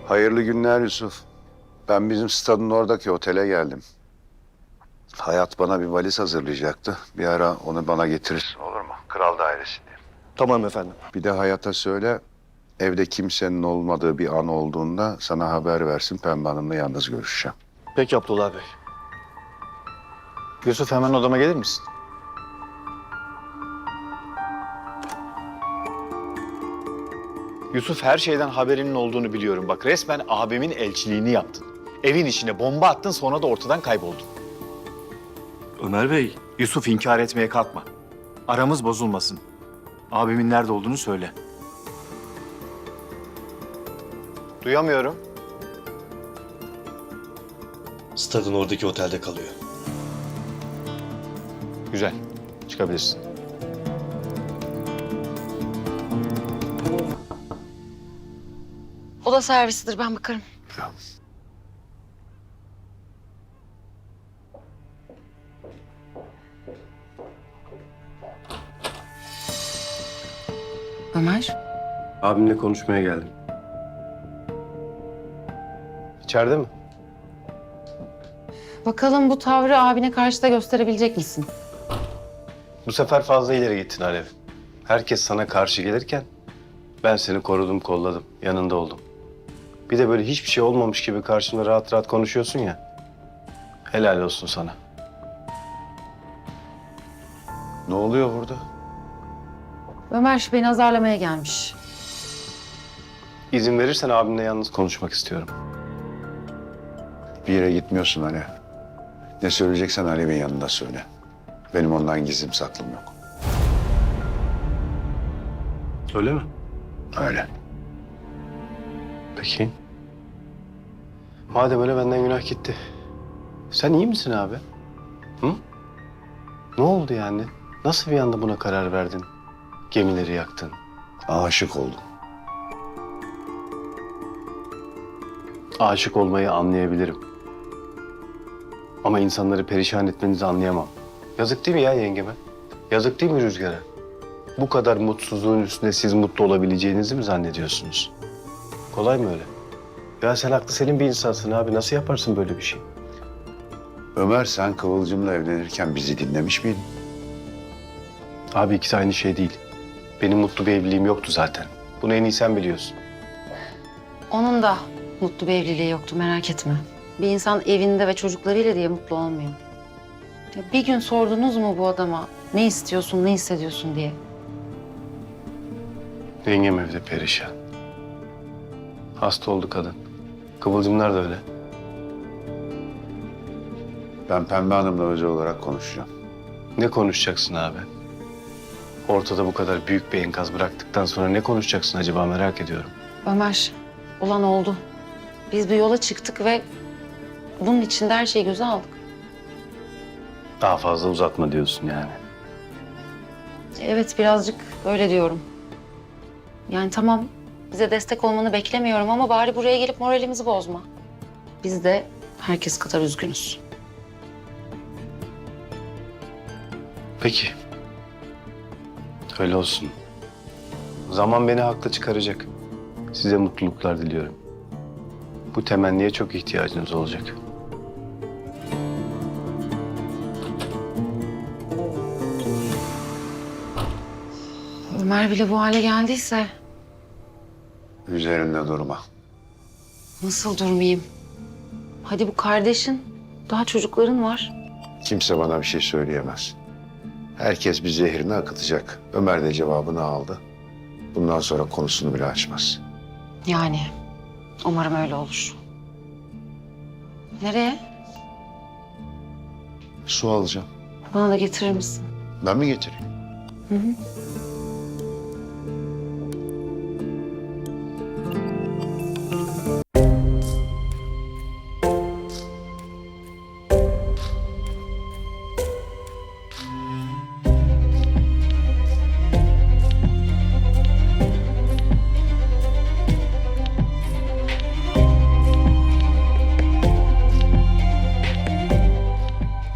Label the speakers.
Speaker 1: Hayırlı günler Yusuf. Ben bizim stadın oradaki otele geldim. Hayat bana bir valiz hazırlayacaktı. Bir ara onu bana getirirsin olur mu? Kral dairesinde.
Speaker 2: Tamam efendim.
Speaker 1: Bir de Hayat'a söyle, evde kimsenin olmadığı bir an olduğunda sana haber versin. Pembe Hanım'la yalnız görüşeceğim.
Speaker 2: Peki Abdullah Bey.
Speaker 3: Yusuf hemen odama gelir misin? Yusuf her şeyden haberinin olduğunu biliyorum. Bak resmen abimin elçiliğini yaptın. Evin içine bomba attın sonra da ortadan kayboldun. Ömer Bey, Yusuf inkar etmeye kalkma. Aramız bozulmasın. Abimin nerede olduğunu söyle. Duyamıyorum.
Speaker 2: Stadın oradaki otelde kalıyor.
Speaker 3: Güzel. Çıkabilirsin.
Speaker 4: O da servisidir, ben bakarım. Ömer,
Speaker 5: Abimle konuşmaya geldim. İçeride mi?
Speaker 4: bakalım bu tavrı abine karşı da gösterebilecek misin?
Speaker 5: Bu sefer fazla ileri gittin Alev. Herkes sana karşı gelirken ben seni korudum, kolladım, yanında oldum. Bir de böyle hiçbir şey olmamış gibi karşımda rahat rahat konuşuyorsun ya. Helal olsun sana.
Speaker 1: Ne oluyor burada?
Speaker 4: Ömer beni azarlamaya gelmiş.
Speaker 5: İzin verirsen abimle yalnız konuşmak istiyorum.
Speaker 1: Bir yere gitmiyorsun hani. Ne söyleyeceksen Alev'in yanında söyle. Benim ondan gizlim saklım yok.
Speaker 5: Öyle mi?
Speaker 1: Öyle.
Speaker 5: Peki. Madem öyle benden günah gitti. Sen iyi misin abi? Hı? Ne oldu yani? Nasıl bir anda buna karar verdin? Gemileri yaktın.
Speaker 1: Aşık oldum.
Speaker 5: Aşık olmayı anlayabilirim. Ama insanları perişan etmenizi anlayamam. Yazık değil mi ya yengeme? Yazık değil mi Rüzgar'a? Bu kadar mutsuzluğun üstünde siz mutlu olabileceğinizi mi zannediyorsunuz? Kolay mı öyle? Ya sen aklı selim bir insansın abi. Nasıl yaparsın böyle bir şey?
Speaker 1: Ömer sen Kıvılcım'la evlenirken bizi dinlemiş miydin?
Speaker 5: Abi ikisi aynı şey değil. Benim mutlu bir evliliğim yoktu zaten. Bunu en iyi sen biliyorsun.
Speaker 4: Onun da mutlu bir evliliği yoktu, merak etme. Bir insan evinde ve çocuklarıyla diye mutlu olmuyor. Ya bir gün sordunuz mu bu adama ne istiyorsun, ne hissediyorsun diye?
Speaker 5: Yengem evde perişan. Hasta oldu kadın. Kıvılcımlar da öyle.
Speaker 1: Ben Pembe Hanım'la özel olarak konuşacağım.
Speaker 5: Ne konuşacaksın abi? Ortada bu kadar büyük bir enkaz bıraktıktan sonra ne konuşacaksın acaba merak ediyorum.
Speaker 4: Ömer, olan oldu. Biz bir yola çıktık ve bunun içinde her şeyi göze aldık.
Speaker 5: Daha fazla uzatma diyorsun yani.
Speaker 4: Evet, birazcık öyle diyorum. Yani tamam, bize destek olmanı beklemiyorum ama bari buraya gelip moralimizi bozma. Biz de herkes kadar üzgünüz.
Speaker 5: Peki. Öyle olsun. Zaman beni haklı çıkaracak. Size mutluluklar diliyorum. Bu temenniye çok ihtiyacınız olacak.
Speaker 4: Ömer bile bu hale geldiyse
Speaker 1: Üzerinde durma.
Speaker 4: nasıl durmayayım? Hadi bu kardeşin, daha çocukların var.
Speaker 1: Kimse bana bir şey söyleyemez. Herkes bir zehrini akıtacak. Ömer de cevabını aldı. Bundan sonra konusunu bile açmaz.
Speaker 4: Yani umarım öyle olur. Nereye?
Speaker 1: Su alacağım.
Speaker 4: Bana da getirir misin?
Speaker 1: Ben mi getireyim?
Speaker 4: Hı hı.